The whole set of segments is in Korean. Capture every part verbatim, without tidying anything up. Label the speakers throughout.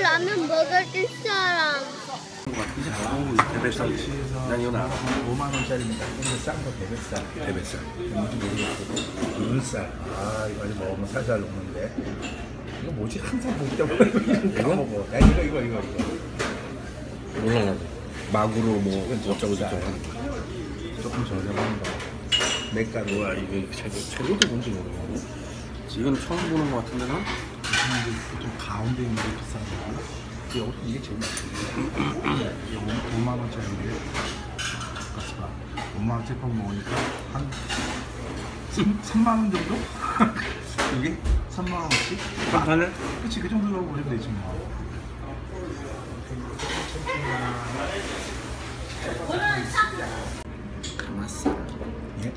Speaker 1: 라면 먹어줄 사람.
Speaker 2: 대뱃살. 난 이거 나.
Speaker 3: 오만 원짜리입니다. 근데 싼거 대뱃살.
Speaker 2: 대뱃살.
Speaker 3: 뭔지 모르겠고. 눈살. 아, 이거 아직 먹으면 살살 녹는데. 이거 뭐지? 항상 볼 때마다 이거 먹어. 야, 이거, 이거, 이거, 이거.
Speaker 2: 몰라 나도. 마구로 뭐 어쩌고 저쩌고 하는 거.
Speaker 3: 조금 저렴한가. 맥가루.
Speaker 2: 뭐야 이게 재료, 재료도 뭔지 모르겠네. 이건 처음 보는 거 같은데 나?
Speaker 3: 보통 가운데 있는 게 비싼 거고. 이게, 이게 제일 맛있어요. 이게 오만 원짜리인데. 가스가 오만 원짜리 밥 먹으니까 한 삼만 원 정도? 이게 삼만 원씩?
Speaker 2: 한 판을?
Speaker 3: 그치, 그 정도로 보시면 되지 뭐.
Speaker 2: 가마살.
Speaker 3: 예?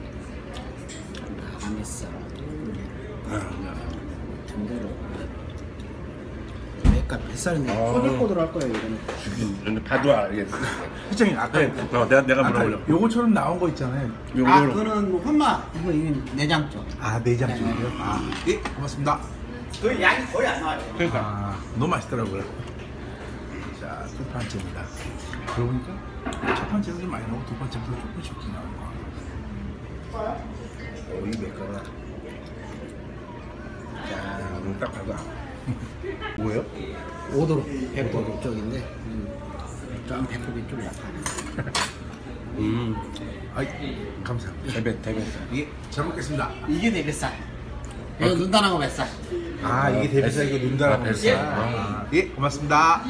Speaker 2: 가마살. 아,
Speaker 4: 정대로 맥가 뱃살인데 꼬들꼬들할 거예요 이거는.
Speaker 2: 근데 봐도 알겠어.
Speaker 3: 회장님, 아까
Speaker 2: 네, 어, 내가 내가
Speaker 3: 아까
Speaker 2: 물어보려.
Speaker 3: 요거처럼 나온 거 있잖아요.
Speaker 2: 요거
Speaker 4: 아
Speaker 2: 요거.
Speaker 4: 그거는 뭐 혼마 이거 이건 내장 쪽.
Speaker 3: 아, 내장 쪽이요? 아, 예, 고맙습니다.
Speaker 4: 그 양이 거의 안 나와요.
Speaker 2: 그러니까.
Speaker 3: 아, 너무 맛있더라고요. 자, 두 번째입니다. 그러고 보니까 첫 번째는 좀 많이 나오고 두 번째부터 조금씩 조금씩 나오는 거. 오, 이 맥가루.
Speaker 2: 자, 이거 딱 봐도 알아.
Speaker 3: 뭐예요?
Speaker 4: 오도로 배꼽 쪽인데 음, 좀 배꼽이 좀 약하네.
Speaker 2: 음,
Speaker 3: 아이, 감사합니다.
Speaker 2: 대뱃 대뱃살.
Speaker 3: 예, 잘 먹겠습니다.
Speaker 4: 이게 내 뱃살. 이거 눈단하고 뱃살.
Speaker 3: 아, 이게 대뱃살, 이거 눈다라고
Speaker 2: 아,
Speaker 3: 했어.
Speaker 2: 뱃살.
Speaker 3: 아, 예, 고맙습니다.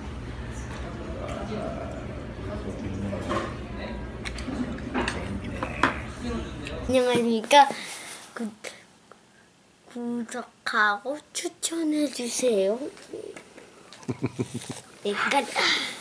Speaker 1: 안녕하십니까. 구, 구독하고 추천해주세요. 여기까지.